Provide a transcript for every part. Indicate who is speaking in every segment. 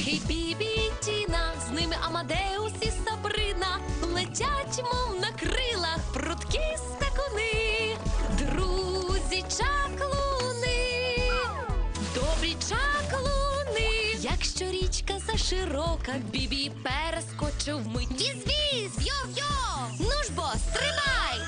Speaker 1: Перхі, Бібі і Тіна, з ними Амадеус і Сабрина, летять, мов на крилах, прудкі скакуни, друзі чаклуни, добрі чаклуни. Якщо річка заширока, Бібі перескочив вмить. Віз-віз, йо-йо, ну ж бо, стримай!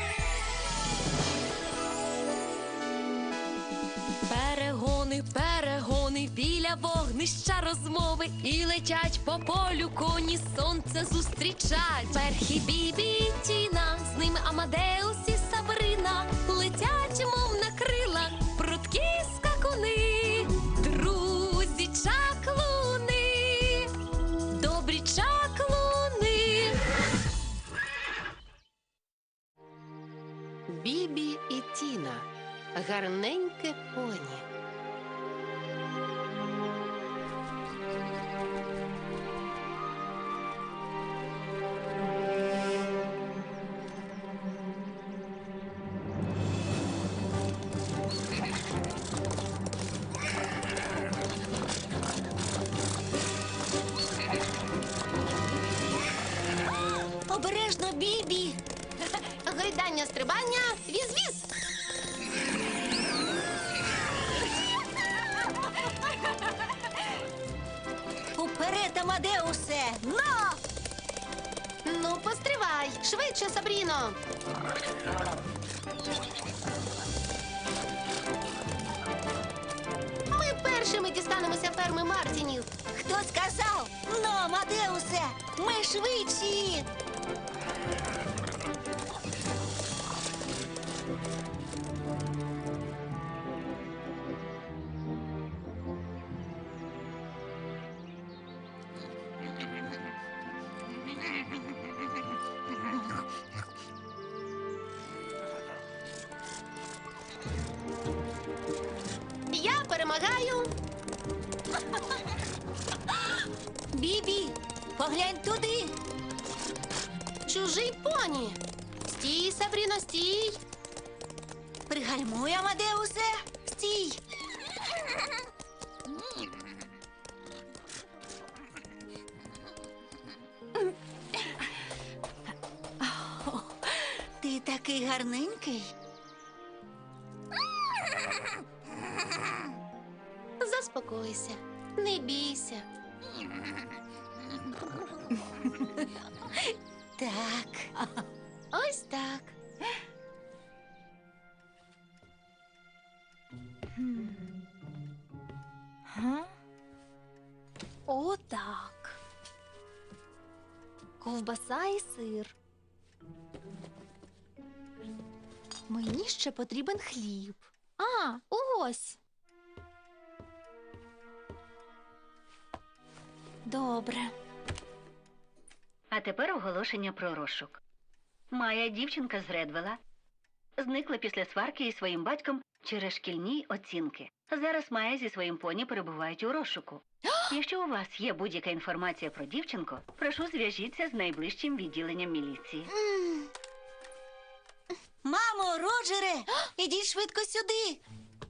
Speaker 1: Перегони, перегони, біля вогнища розмови, і летять по полю коні, сонце зустрічать. Перхі, Бібі і Тіна, з ними Амадеус і Сабрина, летять, мов на крилах, прудкі скакуни, друзі чаклуни, добрі чаклуни.
Speaker 2: Бібі і Тіна. Гарненьке поні.
Speaker 3: Обережно, Бібі!
Speaker 2: Гойдання, стрибання, віз-віз!
Speaker 3: Уперед, Амадеусе! Но!
Speaker 2: Ну, постривай! Швидше, Сабріно! Ми першими дістанемося ферми Мартінів.
Speaker 3: Хто сказав? Но, Амадеусе! Ми швидші!
Speaker 2: Я перемагаю!
Speaker 3: Бібі, поглянь туди!
Speaker 2: Чужий поні! Стій, Сабріно, стій!
Speaker 3: Пригальмуй, Амадеусе! Стій! О, ти такий гарненький.
Speaker 2: Заспокойся, не бійся.
Speaker 3: Так.
Speaker 2: Ось так.
Speaker 1: Отак. Ковбаса і сир. Мені ще потрібен хліб. Ось. Добре.
Speaker 4: А тепер оголошення про розшук. Майя, дівчинка з Редвелла, зникла після сварки із своїм батьком через шкільні оцінки. Зараз Майя зі своїм поні перебувають у розшуку. Якщо у вас є будь-яка інформація про дівчинку, прошу, зв'яжіться з найближчим відділенням міліції.
Speaker 3: Мамо, Роджере, ідіть швидко сюди.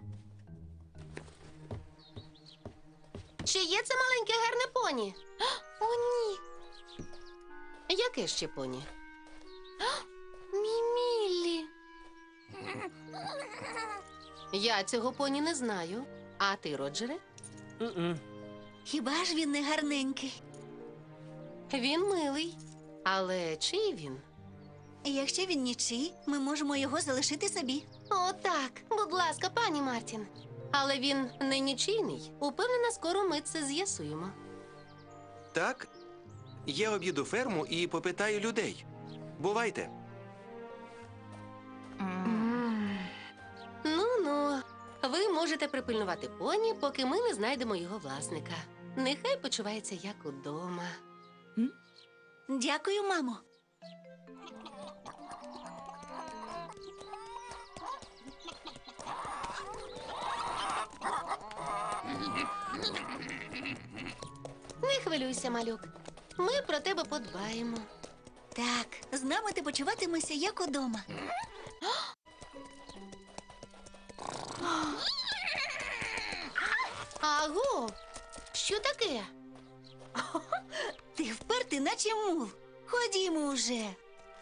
Speaker 2: Чи є це маленьке гарне поні?
Speaker 1: О, ні.
Speaker 2: Яке ще поні?
Speaker 1: Мій Міллі.
Speaker 2: Я цього поні не знаю. А ти, Роджере?
Speaker 3: Хіба ж він не гарненький?
Speaker 2: Він милий. Але чий він?
Speaker 3: Якщо він нічий, ми можемо його залишити собі.
Speaker 2: О, так. Будь ласка, пані Мартін. Але він не нічийний. Упевнена, скоро ми це з'ясуємо.
Speaker 5: Так, я об'їду ферму і попитаю людей. Бувайте.
Speaker 2: Ну-ну. Ви можете припильнувати поні, поки ми не знайдемо його власника. Нехай почувається як удома.
Speaker 3: Дякую, мамо.
Speaker 2: Не хвилюйся, малюк. Ми про тебе подбаємо.
Speaker 3: Так, з нами ти почуватимешся як удома.
Speaker 2: Аго! Що таке?
Speaker 3: Ти впертий, наче мул. Ходімо уже.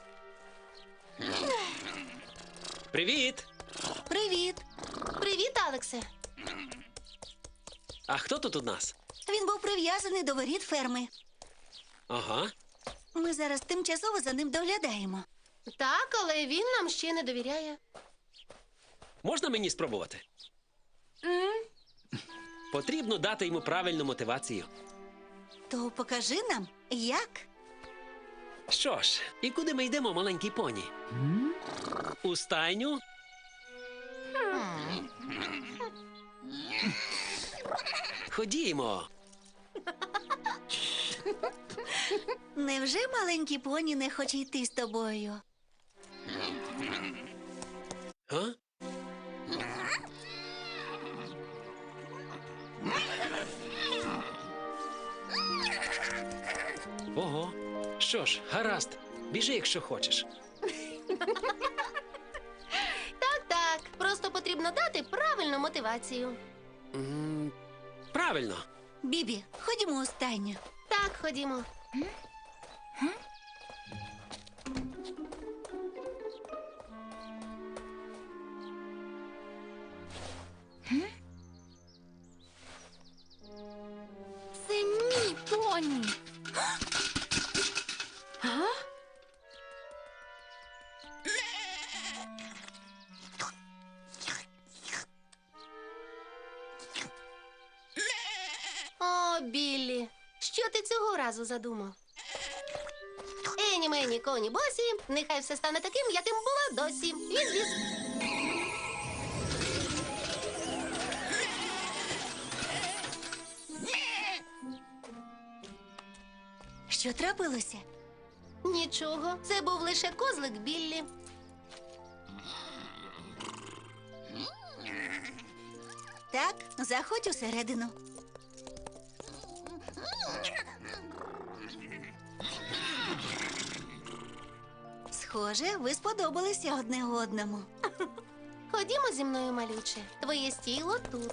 Speaker 6: Привіт!
Speaker 3: Привіт.
Speaker 2: Привіт, Алексе.
Speaker 6: А хто тут у нас?
Speaker 3: Він був прив'язаний до воріт ферми.
Speaker 6: Ага.
Speaker 3: Ми зараз тимчасово за ним доглядаємо.
Speaker 2: Так, але він нам ще не довіряє.
Speaker 6: Можна мені спробувати? Потрібно дати йому правильну мотивацію.
Speaker 3: То покажи нам, як.
Speaker 6: Що ж, і куди ми йдемо, маленький поні? У стайню? Ходімо.
Speaker 3: Невже маленький поні не хоче йти з тобою?
Speaker 6: А? Ого. Що ж, гаразд. Біжи, якщо хочеш.
Speaker 2: Так, просто потрібно дати правильну мотивацію.
Speaker 6: Правильно.
Speaker 3: Бібі, ходімо у стайню.
Speaker 2: Так, ходімо.
Speaker 1: Це мій поні. А?
Speaker 2: О, Біллі, що ти цього разу задумав? Ені мені коні босі, нехай все стане таким, яким було досі. Віз-віз.
Speaker 3: Що трапилося?
Speaker 2: Нічого, це був лише козлик Біллі.
Speaker 3: Так, заходь усередину. Схоже, ви сподобалися одне одному.
Speaker 2: Ходімо зі мною, малюче. Твоє стіло тут.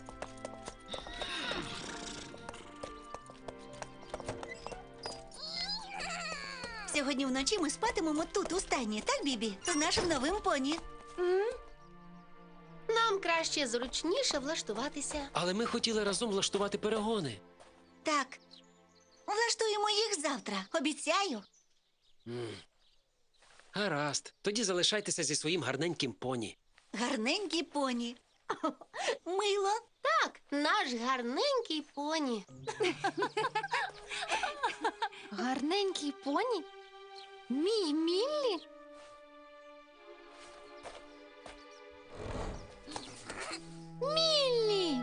Speaker 3: Сьогодні вночі ми спатимемо тут, у стайні, так, Бібі? З нашим новим поні.
Speaker 2: Нам краще зручніше влаштуватися.
Speaker 6: Але ми хотіли разом влаштувати перегони.
Speaker 3: Так. Влаштуємо їх завтра, обіцяю.
Speaker 6: Гаразд. Тоді залишайтеся зі своїм гарненьким поні.
Speaker 3: Гарненькі поні. Мило.
Speaker 2: Так, наш гарненький поні.
Speaker 1: Гарненький поні? Мій Міллі? Міллі!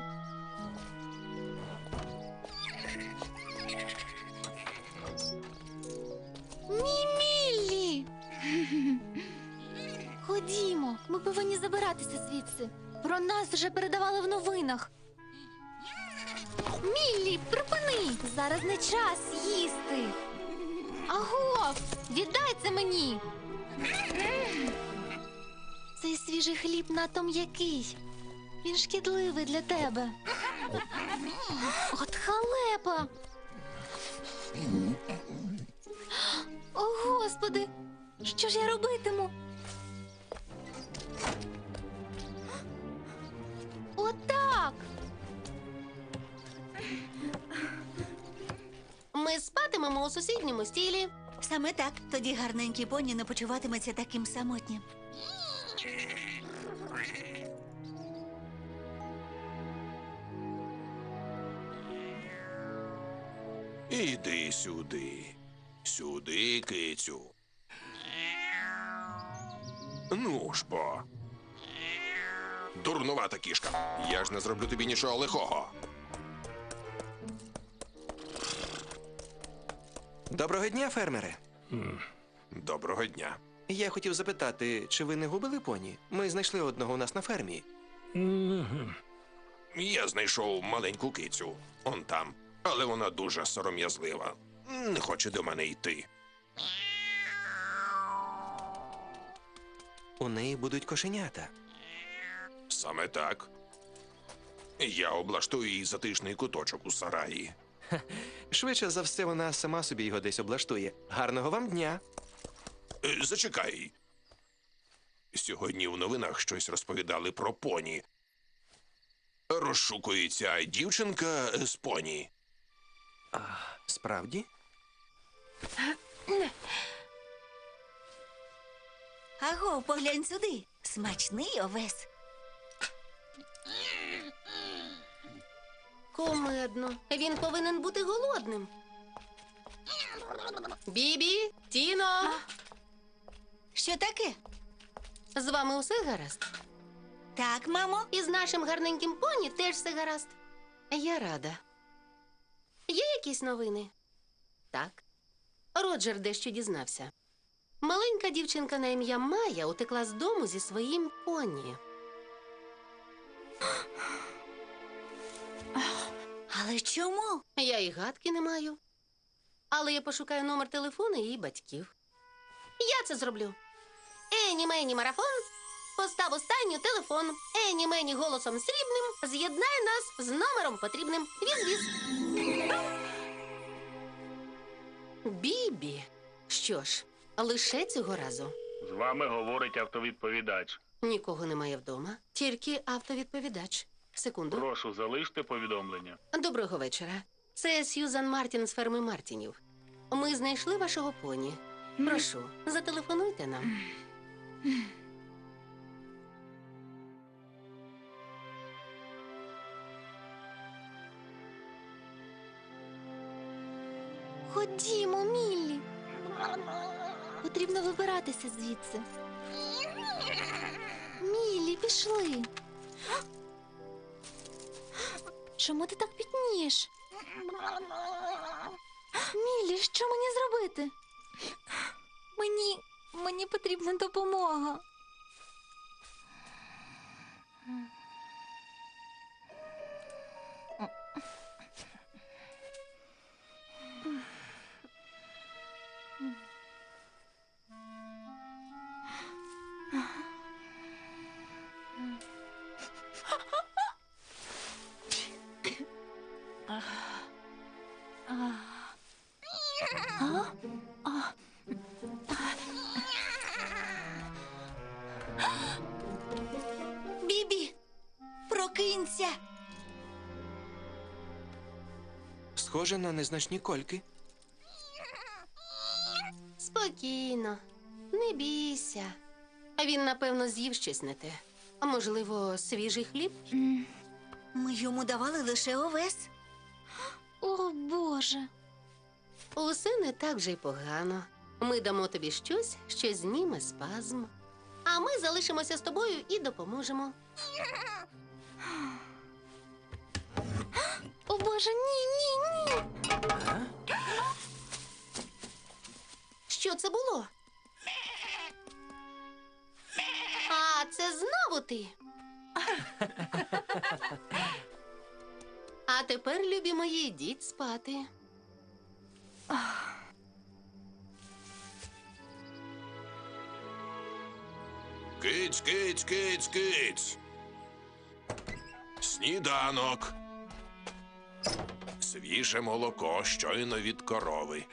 Speaker 1: Мій Міллі! Ходімо, ми повинні забиратися звідси. Про нас вже передавали в новинах. Міллі, припини! Зараз не час їсти. Аго, віддай це мені. Цей свіжий хліб надто м'який. Він шкідливий для тебе. От халепа. О, Господи, що ж я робитиму? Отак.
Speaker 2: Ми спатимемо у сусідньому стілі.
Speaker 3: Саме так. Тоді гарненький поні не почуватиметься таким самотнім.
Speaker 5: Іди сюди. Сюди, кицю. Ну ж бо. Дурнувата кішка. Я ж не зроблю тобі нічого лихого. Доброго дня, фермере. Доброго дня. Я хотів запитати, чи ви не губили поні? Ми знайшли одного у нас на фермі. Я знайшов маленьку кицю. Он там. Але вона дуже сором'язлива. Не хоче до мене йти. У неї будуть кошенята. Саме так. Я облаштую їй затишний куточок у сараї. Швидше за все, вона сама собі його десь облаштує. Гарного вам дня.
Speaker 7: Зачекай. Сьогодні в новинах щось розповідали про поні. Розшукується дівчинка з поні.
Speaker 5: Справді?
Speaker 3: Аго, поглянь сюди. Смачний овес.
Speaker 2: Кумедно. Він повинен бути голодним. Бібі, Тіно,
Speaker 3: Що таке?
Speaker 2: з вами усе гаразд?
Speaker 3: Так, мамо.
Speaker 2: І з нашим гарненьким поні теж все гаразд. Я рада. Є якісь новини? Так. Роджер дещо дізнався. Маленька дівчинка на ім'я Майя утекла з дому зі своїм поні.
Speaker 3: Але чому?
Speaker 2: Я і гадки не маю. Але я пошукаю номер телефону її батьків. Я це зроблю. Ені мені марафон. Постав останню телефон. Ені мені голосом срібним. З'єднай нас з номером потрібним. Віз-віз. Бібі. Що ж, лише цього разу.
Speaker 8: З вами говорить автовідповідач.
Speaker 2: Нікого немає вдома, тільки автовідповідач. Секунду.
Speaker 8: Прошу, залиште повідомлення.
Speaker 2: Доброго вечора. Це Сьюзан Мартін з ферми Мартінів. Ми знайшли вашого поні. Прошу, зателефонуйте нам.
Speaker 1: Ходімо, Міллі. Потрібно вибиратися звідси. Міллі, пішли. Чому ти так пітнієш? Міллі, що мені зробити? Мені потрібна допомога.
Speaker 3: Бібі, прокинься.
Speaker 5: Схоже на незначні кольки.
Speaker 2: Спокійно, не бійся. А він, напевно, з'їв щось не те. А можливо, свіжий хліб?
Speaker 3: Ми йому давали лише овес.
Speaker 1: О, Боже.
Speaker 2: Усе не так вже й погано. Ми дамо тобі щось, що зніме спазм. А ми залишимося з тобою і допоможемо.
Speaker 1: О, Боже, ні, ні, ні.
Speaker 2: Що це було? А, це знову ти. А тепер, любі мої, йдіть спати.
Speaker 7: Киць, киць, киць, киць. Сніданок. Свіже молоко щойно від корови.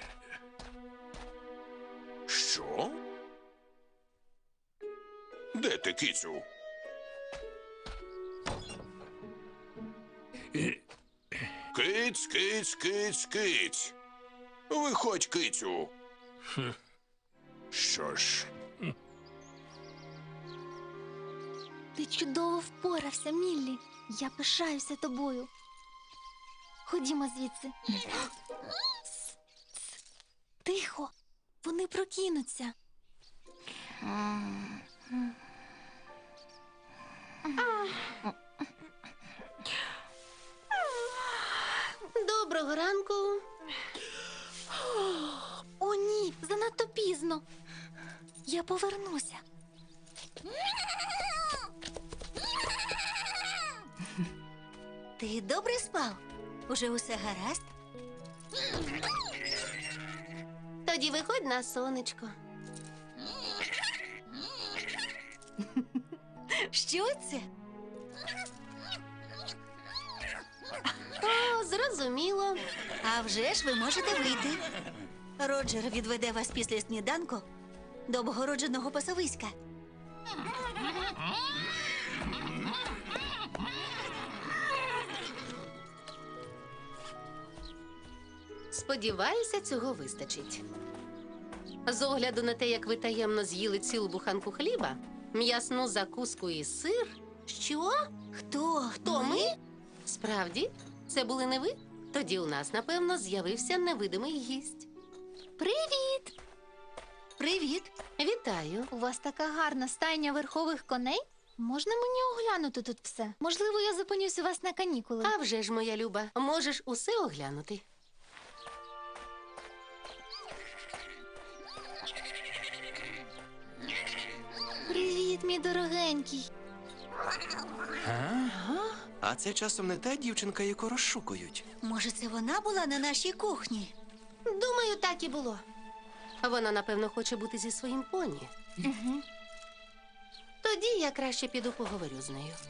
Speaker 7: Що? Де ти, кицю? Киць, киць, киць, киць. Виходь, кицю. Що ж,
Speaker 1: Ти чудово впорався, Міллі. Я пишаюся тобою. Ходімо звідси. Тихо. Вони прокинуться.
Speaker 2: Доброго ранку.
Speaker 1: О, ні, занадто пізно. Я повернуся.
Speaker 3: Ти добре спав? Уже усе гаразд?
Speaker 2: Тоді виходь на сонечко.
Speaker 3: Що це?
Speaker 2: О, Зрозуміло.
Speaker 3: А вже ж ви можете вийти. Роджер відведе вас після сніданку до обгородженого пасовиська.
Speaker 2: Сподіваюся, цього вистачить. З огляду на те, як ви таємно з'їли цілу буханку хліба, м'ясну закуску і сир. Що?
Speaker 3: Хто
Speaker 2: Ми? Справді? Це були не ви? Тоді у нас, напевно, з'явився невидимий гість.
Speaker 1: Привіт!
Speaker 3: Привіт.
Speaker 2: Вітаю.
Speaker 1: У вас така гарна стайня верхових коней? Можна мені оглянути тут все? Можливо, я зупинюсь у вас на канікули.
Speaker 2: А вже ж, моя люба, можеш усе оглянути.
Speaker 1: Привіт, мій дорогенький.
Speaker 5: А це часом не та дівчинка, яку розшукують.
Speaker 3: Може, це вона була на нашій кухні?
Speaker 2: Думаю, так і було. Вона, напевно, хоче бути зі своїм поні. Тоді я краще піду поговорю з нею.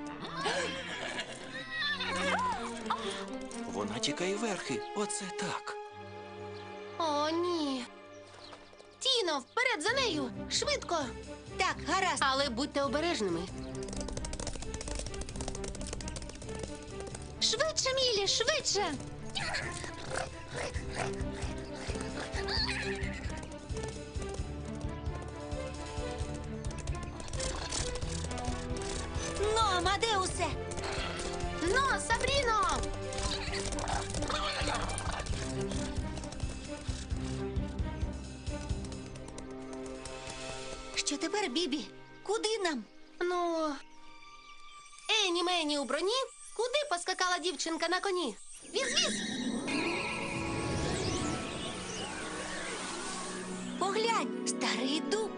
Speaker 5: Вона тікає верхи. Оце так.
Speaker 2: О, ні. Тіно, вперед за нею! Швидко!
Speaker 3: Так, гаразд.
Speaker 2: Але будьте обережними.
Speaker 1: Швидше, Мілі, швидше!
Speaker 3: Ну, Амадеусе!
Speaker 2: Но, Сабріно!
Speaker 3: Що тепер, Бібі? Куди нам?
Speaker 2: Ну, Ені Мені у броні? Куди поскакала дівчинка на коні? Віз-віз!
Speaker 3: Поглянь, старий дуб.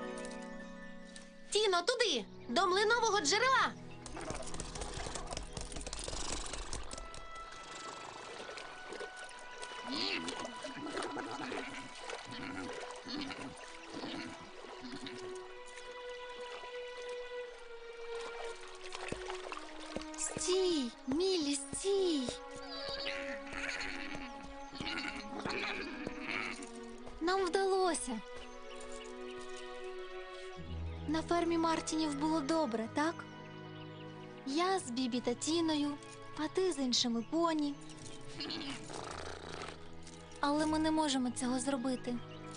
Speaker 2: Тіно, туди! До млинового джерела!
Speaker 1: Стій, Мілі, стій! Нам вдалося. На фермі Мартінів було добре, так? Я з Бібі та Тіною, а ти з іншими поні. Але ми не можемо цього зробити.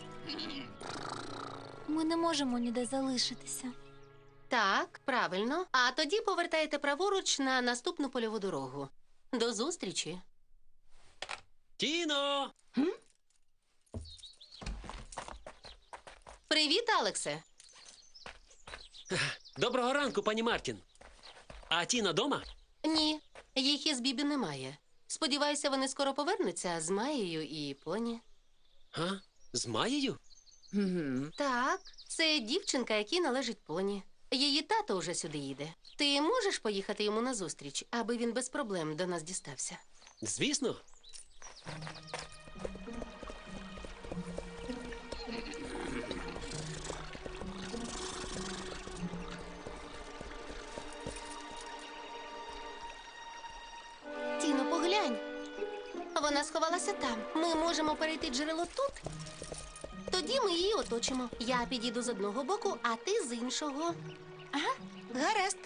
Speaker 1: Ми не можемо ніде залишитися.
Speaker 2: Так, правильно. А тоді повертаєте праворуч на наступну польову дорогу. До зустрічі.
Speaker 6: Тіно!
Speaker 2: Привіт, Алексе.
Speaker 6: Доброго ранку, пані Мартін. А Тіна дома?
Speaker 2: Ні, їх із Бібі немає. Сподіваюся, вони скоро повернуться з Маєю і поні.
Speaker 6: А? З Маєю?
Speaker 2: Так, це дівчинка, якій належить поні. Її тато вже сюди їде. Ти можеш поїхати йому назустріч, аби він без проблем до нас дістався?
Speaker 6: Звісно.
Speaker 2: Тіно, поглянь. Вона сховалася там. Ми можемо перейти джерело тут. Тоді ми її оточимо. Я підійду з одного боку, а ти з іншого.
Speaker 3: Гаразд.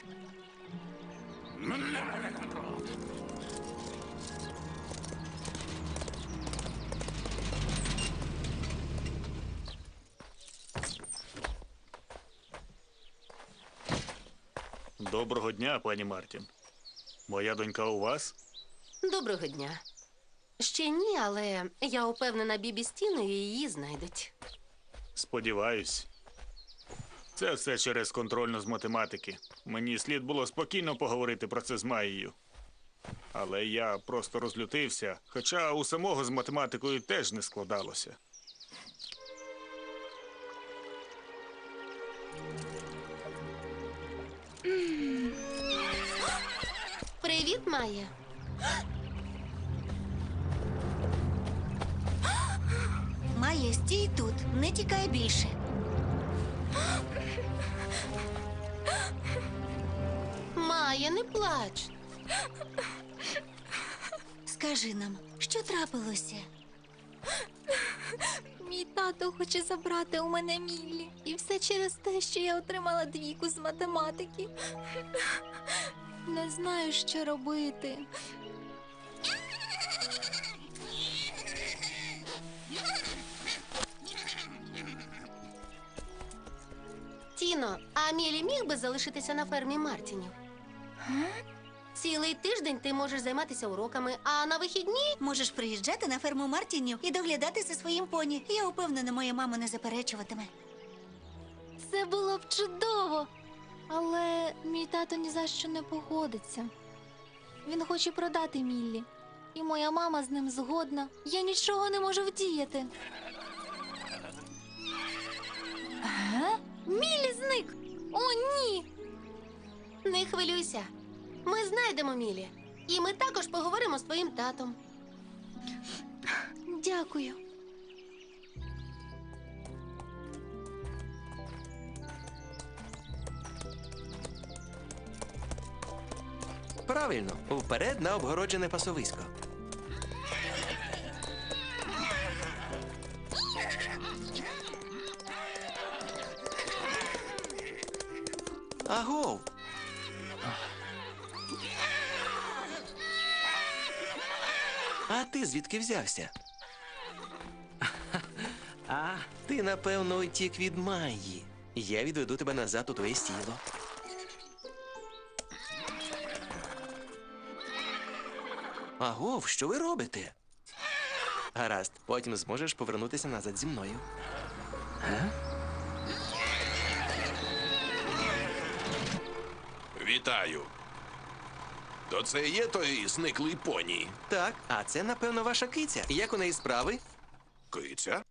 Speaker 8: Доброго дня, пані Мартін. Моя донька у вас?
Speaker 2: Доброго дня. Ще ні, але я упевнена, Бібі з Тіною її знайдуть.
Speaker 8: Сподіваюсь. Це все через контрольну з математики. Мені слід було спокійно поговорити про це з Маєю. Але я просто розлютився, хоча у самого з математикою теж не складалося.
Speaker 2: Привіт, Майя.
Speaker 3: Майя, стій тут, не тікай більше.
Speaker 2: Майя, не плач.
Speaker 3: Розкажи нам, що трапилося?
Speaker 1: Мій тато хоче забрати у мене Міллі. І все через те, що я отримала 2 з математики. Не знаю, що робити.
Speaker 2: Тіно, а Мілі міг би залишитися на фермі Мартінів? Цілий тиждень ти можеш займатися уроками, а на вихідні
Speaker 3: Можеш приїжджати на ферму Мартінів і доглядати за своїм поні. Я впевнена, моя мама не заперечуватиме.
Speaker 1: Це було б чудово. Але мій тато ні за що не погодиться. Він хоче продати Міллі. І моя мама з ним згодна. Я нічого не можу вдіяти. Міллі зник! О, ні!
Speaker 2: не хвилюйся. Ми знайдемо Мілі. І ми також поговоримо з твоїм татом.
Speaker 1: Дякую.
Speaker 5: Правильно, вперед на обгороджене пасовисько. Агов! А ти звідки взявся? Ти, напевно, утік від Майї. Я відведу тебе назад у твоє стіло. Агов, що ви робите? Гаразд, потім зможеш повернутися назад зі мною.
Speaker 7: Вітаю. То це і є той зниклий поні?
Speaker 5: Так, а це, напевно, ваша киця. Як у неї справи?
Speaker 7: Киця?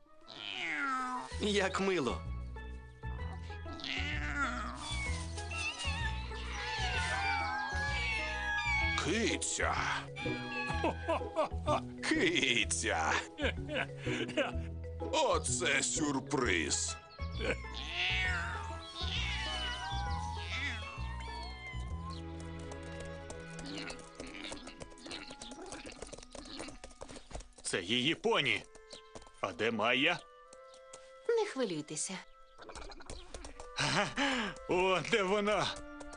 Speaker 5: Як мило.
Speaker 7: Киця. Киця. Оце сюрприз.
Speaker 8: Це її поні. А де Майя?
Speaker 2: Не хвилюйтеся.
Speaker 8: О, де вона?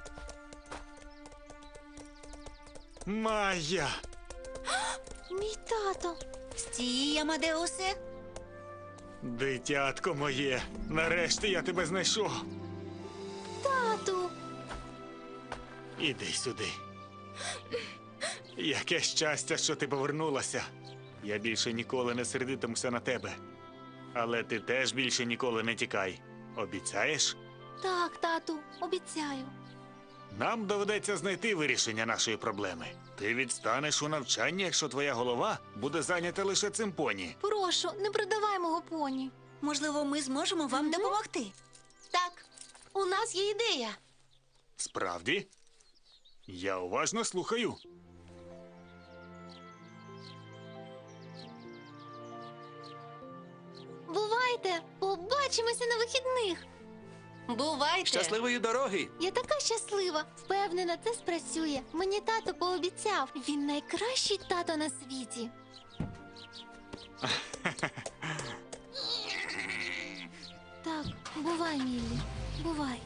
Speaker 8: Майя!
Speaker 1: Мій тато.
Speaker 3: Стій, Амадеусе.
Speaker 8: Дитятко моє, нарешті я тебе знайшов.
Speaker 1: Тату.
Speaker 8: Іди сюди. Яке щастя, що ти повернулася. Я більше ніколи не сердитимуся на тебе. Але ти теж більше ніколи не тікай. Обіцяєш?
Speaker 1: Так, тату, обіцяю.
Speaker 8: Нам доведеться знайти вирішення нашої проблеми. Ти відстанеш у навчанні, якщо твоя голова буде зайнята лише цим поні.
Speaker 1: Прошу, не продавай мого поні.
Speaker 3: Можливо, ми зможемо вам допомогти.
Speaker 2: Так, у нас є ідея.
Speaker 8: Справді? Я уважно слухаю.
Speaker 1: Бувайте, побачимося на вихідних.
Speaker 2: Бувайте.
Speaker 5: Щасливої дороги!
Speaker 1: Я така щаслива. Впевнена, це спрацює. Мені тато пообіцяв. Він найкращий тато на світі. Так, бувай, Міллі. Бувай.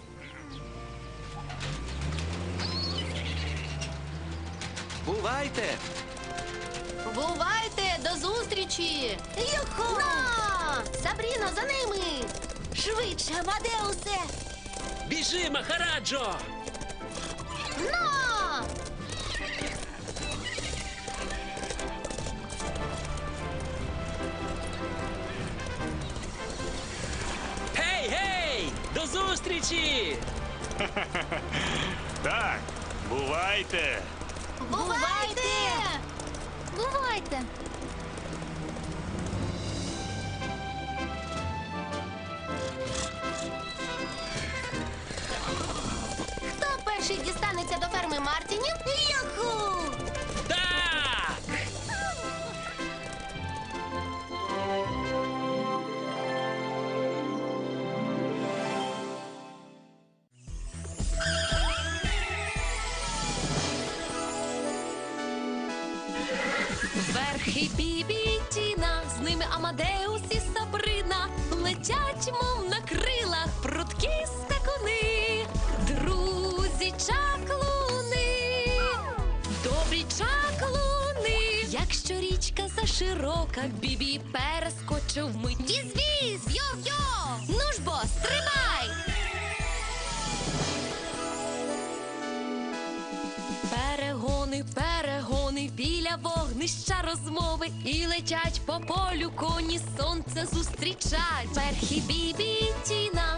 Speaker 5: Бувайте!
Speaker 2: Бувайте, до зустрічі!
Speaker 3: Юху!
Speaker 2: На! Сабріно, за ними!
Speaker 3: Швидше, Амадеусе!
Speaker 6: Біжи, Махараджо!
Speaker 2: На!
Speaker 6: Гей, гей! До зустрічі!
Speaker 8: Так, бувайте!
Speaker 2: Бувайте!
Speaker 1: Бувайте.
Speaker 2: Хто перший дістанеться до ферми Мартінів?
Speaker 3: Юху!
Speaker 6: Так!
Speaker 1: Перхий Бібі і Тіна, з ними Амадеус і Сабрина, летять, мов на крилах, прудкі скакуни, друзі чаклуни, добрі чаклуни. Якщо річка заширока, Бібі перескочив вмить. Віз-віз, йо-йо, ну ж бо, стрибай! Перегони, перегони, біля вогнища розмови, і летять по полю коні, сонце зустрічать. Перхі Бібі і Тіна,